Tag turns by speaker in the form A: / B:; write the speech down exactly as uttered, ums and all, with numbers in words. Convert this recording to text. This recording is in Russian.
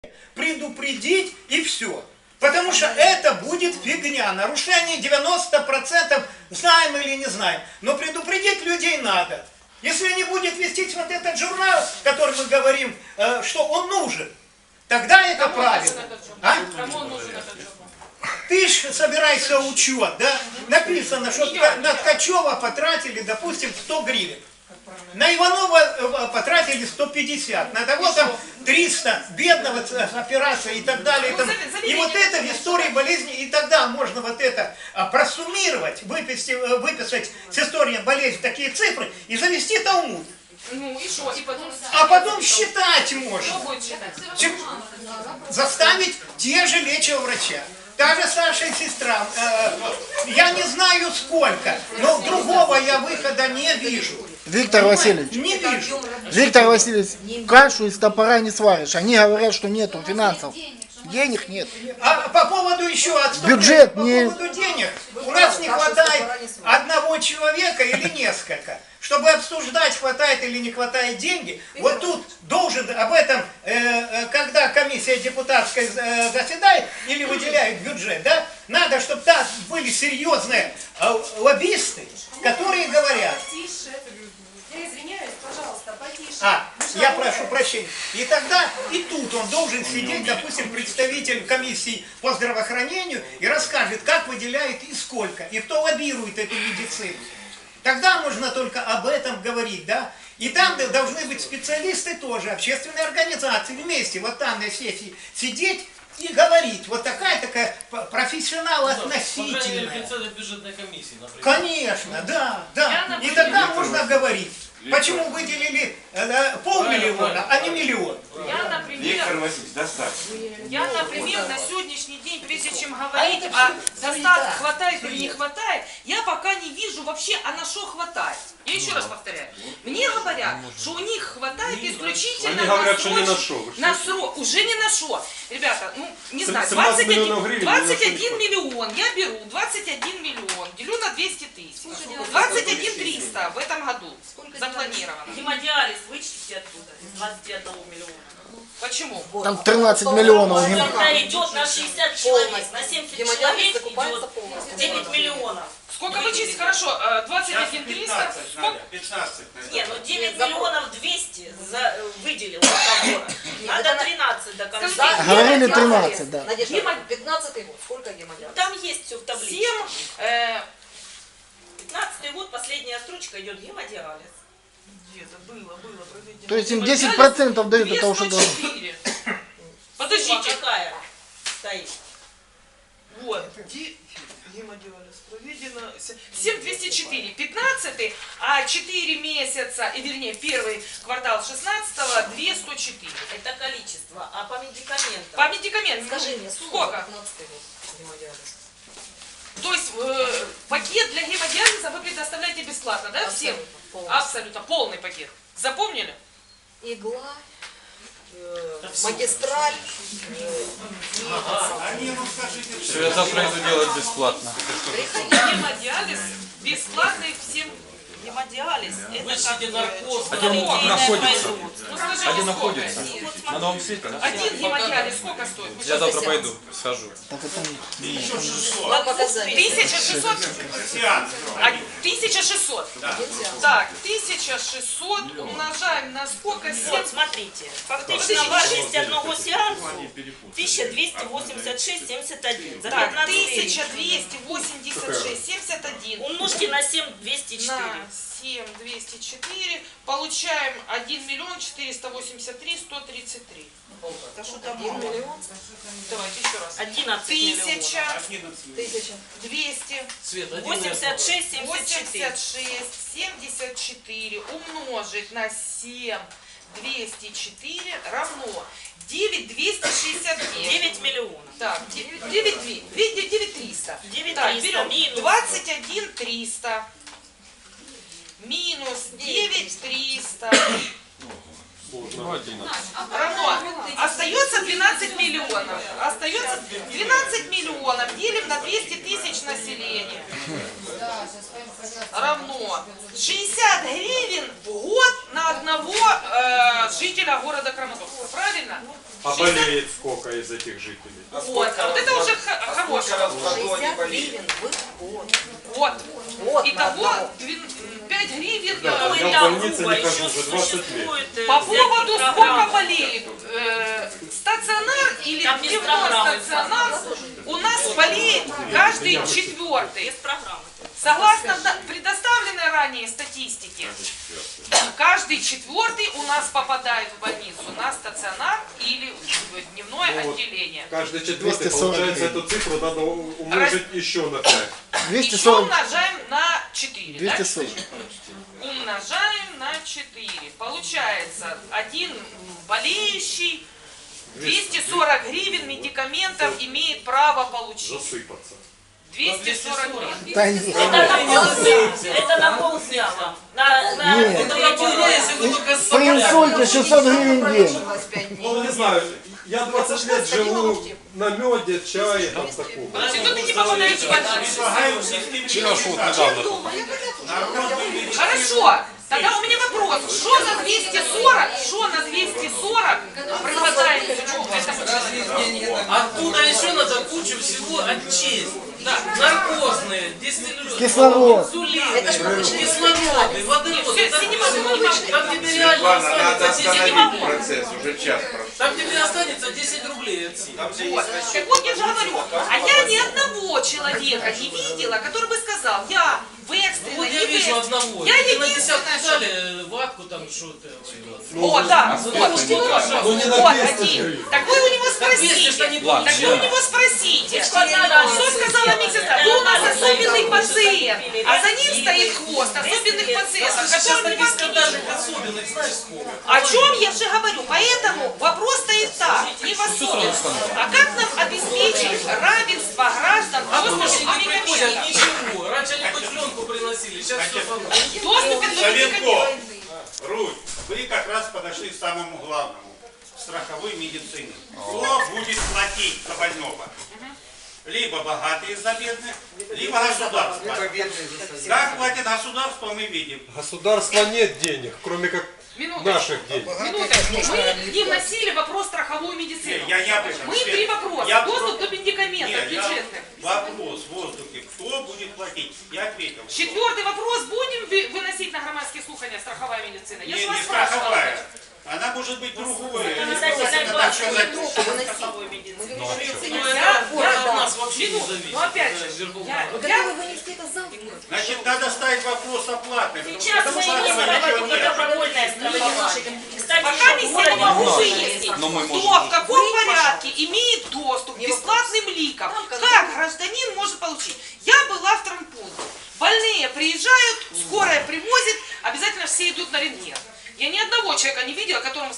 A: предупредить и все. Потому что это будет фигня. Нарушение девяносто процентов знаем или не знаем. Но предупредить людей надо. Если не будет вестись вот этот журнал, который мы говорим, э, что он нужен, тогда это Кому правильно. А?
B: Кому он нужен этот журнал?
A: Ты ж собираешься учет, да? Написано, что я, на Ткачева потратили, допустим, сто гривен. На Иванова потратили сто пятьдесят, на того там триста, бедного операция и так далее. Там. И вот это в истории болезни, и тогда можно вот это просуммировать, выписать, выписать с историей болезни такие цифры и завести Талмуд.
B: Ну и что? И потом...
A: А потом считать можно.
B: Что будет считать?
A: Заставить те же лечащего врача. Та же старшая сестра, э, я не знаю сколько, но другого я выхода не вижу.
C: Виктор Васильевич,
A: Не вижу.
C: Виктор Васильевич, кашу из топора не сваришь. Они говорят, что нету финансов. Денег нет.
A: А по поводу еще отступления,
C: Бюджет
A: по
C: не...
A: поводу денег, у нас не хватает одного человека или несколько. Чтобы обсуждать, хватает или не хватает деньги, вот тут должен об этом, э, когда комиссия депутатская э, заседает или выделяет бюджет, да, надо, чтобы там были серьезные э, лоббисты, которые говорят...
D: Я извиняюсь, пожалуйста, потише.
A: А, я прошу прощения. И тогда и тут он должен сидеть, допустим, представитель комиссии по здравоохранению и расскажет, как выделяет и сколько, и кто лоббирует эту медицину. Тогда можно только об этом говорить, да? И там должны быть специалисты тоже, общественные организации вместе, вот там на сессии сидеть и говорить. Вот такая-такая профессионал относительная.
E: Бюджетной комиссии, например.
A: Конечно, да, да. И тогда можно говорить. Почему выделили э, полмиллиона, а не миллион?
B: Я, например,
F: Виктор Васильевич, достаточно.
B: я, например, на сегодняшний день, прежде чем говорить о достатке, хватает или не хватает, я пока не вижу вообще, а на что хватает. Я еще раз повторяю. Мне говорят, что у них хватает исключительно
F: Они говорят,
B: на
F: что не на
B: срочный-
F: шо.
B: на срок. Уже не на шо. Ребята, ну, не знаю,
F: семнадцать
B: двадцать один,
F: миллионов гривен
B: двадцать
F: ни на
B: один
F: что не
B: миллион я беру, двадцать один миллион, делю на двести тысяч. двадцать один триста в этом году запланировано.
G: Гемодиализ вычтите оттуда, из двадцати одного миллиона.
B: Почему?
C: Там тринадцать миллионов.
G: Когда идет на шестьдесят человек, на семьдесят человек идет девять миллионов.
B: Сколько вычесть? Хорошо, э, двадцать один триста. Сколько?
F: пятнадцать.
G: Не, ну девять миллионов двести за, выделил договор. Надо тринадцать до конца.
B: Скажите,
C: Говорили тринадцать, да.
D: Надежда, пятнадцатый год, сколько гемодиализа?
G: Там есть все в таблице.
B: семь, э,
G: пятнадцатый год, последняя строчка идет гемодиализ.
B: где-то было, было проведено.
C: То есть им десять процентов дают от того, что
B: двести
C: должны.
B: четыре.
G: Сумма
B: Подождите.
G: какая стоит?
B: Вот. Где гемодиализ проведено? семь двести четыре. пятнадцатый, а четыре месяца, и вернее первый квартал шестнадцатого, две сто четыре.
G: Это количество. А по медикаментам?
B: По медикаментам.
D: Скажи мне, сумма
B: Сколько?
D: пятнадцатый год гемодиализ.
B: То есть э, пакет для гемодиализа вы предоставляете бесплатно, да, всем?
D: Абсолютно, полностью.
B: Абсолютно. Полный пакет. Запомнили?
D: Игла, э, магистраль, э,
E: Все, я завтра иду делать бесплатно.
B: Гемодиализ бесплатный всем.
G: Гемодиализ. Это
E: Вычтите
G: как
E: наркоз.
G: э,
E: Один
G: литейное
E: находится.
G: производство.
B: Ну, скажите,
E: Один
B: сколько?
E: находится. На Новом свете, да?
B: Один гемодиализ сколько стоит?
E: Я завтра пойду, схожу.
C: Так это
D: два показания.
B: тысяча шестьсот. А, тысяча шестьсот. Так, тысяча шестьсот умножаем на сколько? семь.
G: Вот, смотрите. Фактично важность одного сеанса тысяча двести восемьдесят шесть семьдесят один. За
B: Так,
G: пятнадцать
B: тысяча
G: тысяч.
B: двести восемьдесят шесть семьдесят один.
G: Умножьте на семь двести четыре.
B: На семь двести четыре получаем один миллион четыреста восемьдесят три сто тридцать три.
G: Это что там?
D: Один миллион,
B: Давайте еще раз.
G: одиннадцать миллионов.
B: Тысяча
D: тысяча.
B: двести
E: Свет, один
G: восемьдесят шесть семьдесят
B: восемьдесят
G: четыре.
B: шесть семьдесят четыре умножить на семь двести четыре равно девять двести шестьдесят девять.
G: девять миллионов.
B: Так, девять триста.
G: девять
B: Так,
G: триста
B: берем
G: минус.
B: двадцать один триста минус девять триста равно. Остается двенадцать миллионов. Остается двенадцать миллионов. Делим на двести тысяч населения. Равно шестьдесят гривен в год на одного э, жителя города Краматорска. Правильно?
F: А болеет сколько из этих жителей?
B: Вот, а вот это уже х- хороший вопрос.
D: шестьдесят гривен в год.
B: Вот.
D: Вот на
B: Итого
D: одного.
B: пять гривен.
F: Да,
B: э,
F: я в
G: Там
F: больнице
G: Куба
F: не хожу
G: еще
F: уже двадцать лет.
G: существует, э,
B: По
G: всякие
B: поводу сколько
G: программы.
B: болеет, э, стационар или
G: Там без
B: дневной
G: программы.
B: стационар, у нас болеет каждый четвертый.
G: Без программы.
B: Согласно да- предоставленной ранее статистике, каждый четвертый у нас попадает в больницу на стационар или в дневное
F: Ну вот.
B: отделение.
F: Каждый четвертый,
C: двести сорок
F: получается,
C: гривен.
F: эту цифру надо у- умножить еще на пять.
C: двести
B: Еще
C: сорок.
B: умножаем на четыре.
C: двести
B: да?
C: сорок.
B: Умножаем на четыре. Получается, один болеющий двести сорок гривен медикаментов имеет право получить.
F: Засыпаться.
B: двести сорок гривен.
C: Да нет.
G: Это на полдня. Это на полдня вам. На, на,
C: Нет.
G: на
E: Это на если вы только с
C: При инсульте шестьсот гривен в день.
F: Ну, не знаю, я двадцать лет живу на меде, чае, там такого.
B: Подожди, ну ты не попадаешь в больницу.
A: Предлагаю систематизировать.
E: Сереж, вот недавно.
A: Народную медицину.
B: Хорошо. Тогда у меня вопрос. Что на двести сорок? Что на двести сорок припадает этому человеку?
E: Оттуда еще надо кучу всего отчесть. Да, наркозные, дистиллюры,
C: Кислород.
E: инсулины, кислороды, водороды.
B: Все,
E: Там-
B: синема, ну, не могу.
E: Там тебе реально
H: Светлана, надо
E: останется десять
H: остановить
E: рублей.
H: процесс, уже час прошел.
E: Там тебе останется десять рублей от сил.
B: Вот. Так вот я же говорю, а я ни одного человека не видела, который бы сказал, я в экстренно,
E: Вот
B: не
E: я
B: в
E: вижу
B: экстренно.
E: одного.
B: Я
E: Тебе на
B: единственное,
E: десятку
B: что...
E: дали ватку там что-то.
B: О, да, вот, вот,
F: Ну, не на
B: вот,
F: двести
B: один.
F: гривен.
B: Так вы у него
E: двести что не
B: спросите.
E: получится.
B: Так вы у него спросите.
G: Что надо?
B: Что сказала медсестра? Вы у нас особенный пациент, а за ним стоит хвост особенных пациентов,
E: Сейчас
B: которым не
E: таких
B: могли.
E: скандальных особенных, знаешь сколько?
B: О чем я же говорю? Поэтому вопрос стоит так, не в особенности. А как нам обеспечить равенство граждан в
E: А
B: доступе
E: больше
B: к
E: не приходят
B: медикаментам?
E: ничего. Раньше они хоть пленку приносили, сейчас все по
B: В доступе до
A: Савенко,
B: медикаментов.
A: Руль, вы как раз подошли к самому главному. Страховой медицины. Кто будет платить за больного? Либо богатые за бедных, либо государство. Как платит государство, мы видим.
F: Государства нет денег, кроме как
B: Минуточку.
F: наших денег.
B: Минуточку. Мы не вносили вопрос страховую медицину.
A: Я, я об этом.
B: Мы
A: Свет.
B: три вопроса.
A: Я
B: Доступ
A: про-
B: до медикаментов
A: Нет, я-
B: бюджетных.
A: Вопрос в воздухе. Кто будет платить? Я ответил.
B: Четвертый вопрос. Будем ви- выносить на громадские слухания страховая медицина? Я
A: Не,
B: же вас
A: не
B: спрашивала.
A: страховая. Она может быть другой.
G: Обязательно
A: Так
G: двадцать
A: сказать,
G: минут страховой медицины.
E: Ну,
B: Я-
E: это
B: я-
E: от нас вообще не
B: Минут.
E: зависит.
B: Ну опять же,
E: Это Верховный
B: я-
E: Рад.
B: я-
D: Готовы вынести это завтра?
A: Значит, надо ставить вопрос оплаты.
G: Сейчас мы
A: Потому
G: не
A: что
G: проводим
A: ничего нет.
G: добровольное страхование. Кстати,
B: Пока
G: еще
B: не
G: в городе
B: я не могу
G: Волжске
B: выяснить,
E: Но мы
B: кто
E: можем-
B: в каком порядке имеет доступ к
D: Не
B: бесплатным ликам.
D: Там, когда-
B: Как гражданин может получить? Я была в травмпункте. Больные приезжают, скорая привозит, обязательно все идут на рентген. Я ни одного человека не видела, которому